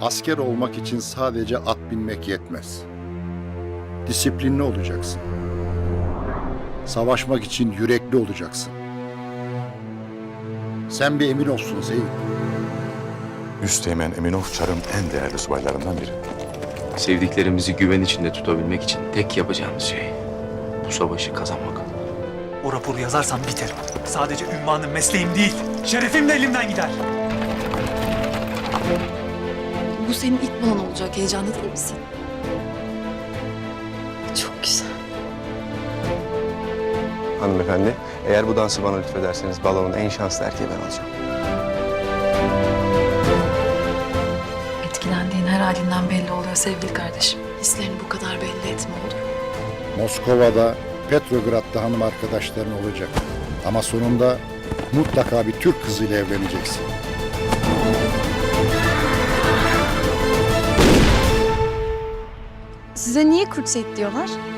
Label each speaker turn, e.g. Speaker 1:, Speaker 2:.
Speaker 1: Asker olmak için sadece at binmek yetmez. Disiplinli olacaksın. Savaşmak için yürekli olacaksın. Sen bir emin olsun Zeyn.
Speaker 2: Üsteğmen Eminov Çar'ın en değerli subaylarından biri.
Speaker 3: Sevdiklerimizi güven içinde tutabilmek için tek yapacağımız şey bu savaşı kazanmak.
Speaker 4: O raporu yazarsam biterim. Sadece ünvanım, mesleğim değil, şerefim de elimden gider.
Speaker 5: Bu senin ilk balon olacak. Heyecanlı değil misin? Çok güzel.
Speaker 6: Hanımefendi, eğer bu dansı bana lütfederseniz balonun en şanslı erkeği ben olacağım.
Speaker 5: Etkilendiğin her halinden belli oluyor sevgili kardeşim. Hislerini bu kadar belli etme olur.
Speaker 1: Moskova'da, Petrograd'da hanım arkadaşların olacak. Ama sonunda mutlaka bir Türk kızıyla evleneceksin.
Speaker 7: Size niye Kurtset diyorlar?